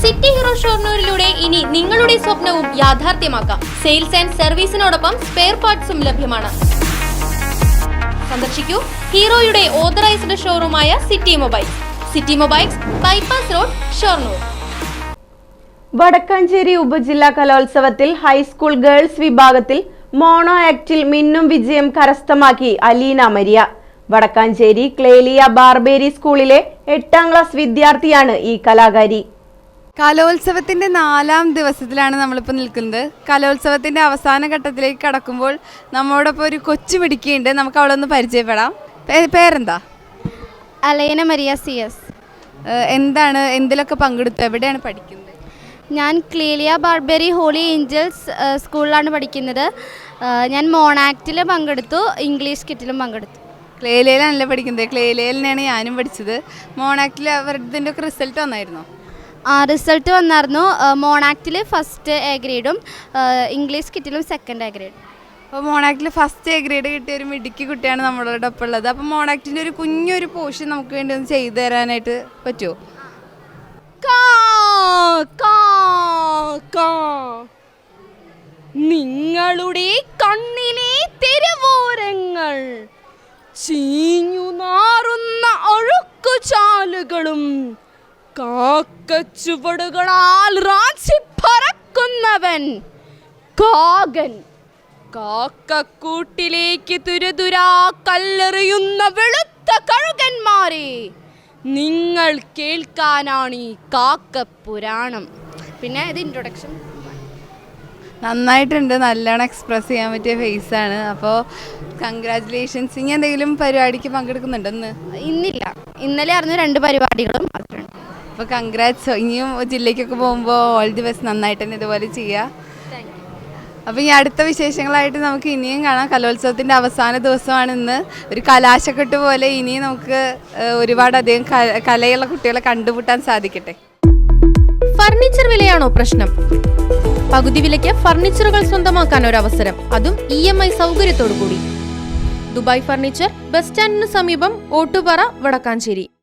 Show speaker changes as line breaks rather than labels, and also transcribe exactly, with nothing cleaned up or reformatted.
City hero ഷൊർണൂരിലൂടെ ഇനി നിങ്ങളുടെ സ്വപ്നവും യാഥാർത്ഥ്യമാക്കാം. സെയിൽസ് ആൻഡ് സർവീസിനോടൊപ്പം സ്പെയർ പാർട്സും ലഭ്യമാണ്. സന്ദർശിക്കൂ ഹീറോയുടെ ഓതറൈസ്ഡ് ഷോറൂമായ city mobiles. City mobiles, bypass road, Shoranur.
Vadakkanchery ഉപജില്ലാ കലോത്സവത്തിൽ ഹൈസ്കൂൾ ഗേൾസ് വിഭാഗത്തിൽ മോണോ ആക്ടിൽ മിന്നും വിജയം കരസ്ഥമാക്കി അലീന മരിയ. വടക്കാഞ്ചേരി ക്ലേലിയ ബാർബേരി സ്കൂളിലെ എട്ടാം ക്ലാസ് വിദ്യാർത്ഥിയാണ് ഈ കലാകാരി.
കലോത്സവത്തിൻ്റെ നാലാം ദിവസത്തിലാണ് നമ്മളിപ്പോൾ നിൽക്കുന്നത്. കലോത്സവത്തിൻ്റെ അവസാന ഘട്ടത്തിലേക്ക് കടക്കുമ്പോൾ നമ്മോടൊപ്പം ഒരു കൊച്ചു മിടുക്കിയുണ്ട്. നമുക്ക് അവളെ ഒന്ന് പരിചയപ്പെടാം. പേരെന്താ?
Aleena Maria C S.
എന്താണ്, എന്തിലൊക്കെ പങ്കെടുത്തു, എവിടെയാണ് പഠിക്കുന്നത്?
ഞാൻ ക്ലേലിയ ബാർബേരി ഹോളി ഏഞ്ചൽസ് സ്കൂളിലാണ് പഠിക്കുന്നത്. ഞാൻ മോണാക്റ്റിൽ പങ്കെടുത്തു, ഇംഗ്ലീഷ് കിറ്റിലും പങ്കെടുത്തു.
ക്ലേലിയയിലാണല്ലേ പഠിക്കുന്നത്? ക്ലേലിയയിൽ തന്നെയാണ് ഞാനും പഠിച്ചത്. മോണാക്റ്റിൽ അവരുടെ ഒക്കെ റിസൾട്ട് വന്നായിരുന്നോ?
ആ റിസൾട്ട് വന്നായിരുന്നു. മോണാക്റ്റിൽ ഫസ്റ്റ് എ ഗ്രേഡും ഇംഗ്ലീഷ് കിറ്റിലും സെക്കൻഡ് എ ഗ്രേഡും.
അപ്പോൾ മോണാക്റ്റിൽ ഫസ്റ്റ് എ ഗ്രേഡ് കിട്ടിയ ഒരു മിടുക്കി കുട്ടിയാണ് നമ്മളോട് ഒപ്പം ഉള്ളത്. അപ്പോൾ മോണാക്റ്റിൻ്റെ ഒരു കുഞ്ഞൊരു പോർഷൻ നമുക്ക് വേണ്ടി ഒന്ന് ചെയ്തു തരാനായിട്ട് പറ്റുമോ?
നിങ്ങളുടെ കണ്ണിലെ തെരുവോരങ്ങൾ ചീഞ്ഞു നാറുന്ന ഒഴുക്കുചാലുകളും കാക്കച്ചുവടുകളാൽ റാഞ്ചി പറക്കുന്നവൻ കാകൻ. കാക്കക്കൂട്ടിലേക്ക് തുരുതുരാ കല്ലെറിയുന്ന വെളുത്ത കഴുകന്മാരെ നിങ്ങൾ കേൾക്കാനാണ് ഈ കാക്കപ്പുരാണം. പിന്നെ ഇത് ഇൻട്രൊഡക്ഷൻ.
നന്നായിട്ടുണ്ട്, നല്ലോണം എക്സ്പ്രസ് ചെയ്യാൻ പറ്റിയ ഫേസാണ്. അപ്പോൾ കൺഗ്രാറ്റുലേഷൻസ്. ഇനി എന്തെങ്കിലും പരിപാടിക്ക് പങ്കെടുക്കുന്നുണ്ടോ? ഇന്ന്
ഇന്നില്ല, ഇന്നലെ ആയിരുന്നു രണ്ട് പരിപാടികളും.
അപ്പോൾ കൺഗ്രാറ്റ്സ്. ഇനിയും ജില്ലയ്ക്കൊക്കെ പോകുമ്പോൾ ഓൾ ദി ബെസ്റ്റ്. നന്നായിട്ട് തന്നെ ഇതുപോലെ ചെയ്യുക. അപ്പോൾ ഈ അടുത്ത വിശേഷങ്ങളായിട്ട് നമുക്ക് ഇനിയും കാണാം. കലോത്സവത്തിൻ്റെ അവസാന ദിവസമാണ് ഇന്ന്. ഒരു കലാശക്കെട്ട് പോലെ ഇനിയും നമുക്ക് ഒരുപാടധികം കലയുള്ള കുട്ടികളെ കണ്ടുമുട്ടാൻ സാധിക്കട്ടെ.
ഫർണിച്ചർ വിലയാണോ പ്രശ്നം? പകുതി വിലയ്ക്ക് ഫർണിച്ചറുകൾ സ്വന്തമാക്കാൻ ഒരു അവസരം, അതും ഇ എം ഐ സൗകര്യത്തോടു കൂടി. ദുബായ് ഫർണിച്ചർ, ബസ് സ്റ്റാൻഡിന് സമീപം, ഓട്ടുപാറ, വടക്കാഞ്ചേരി.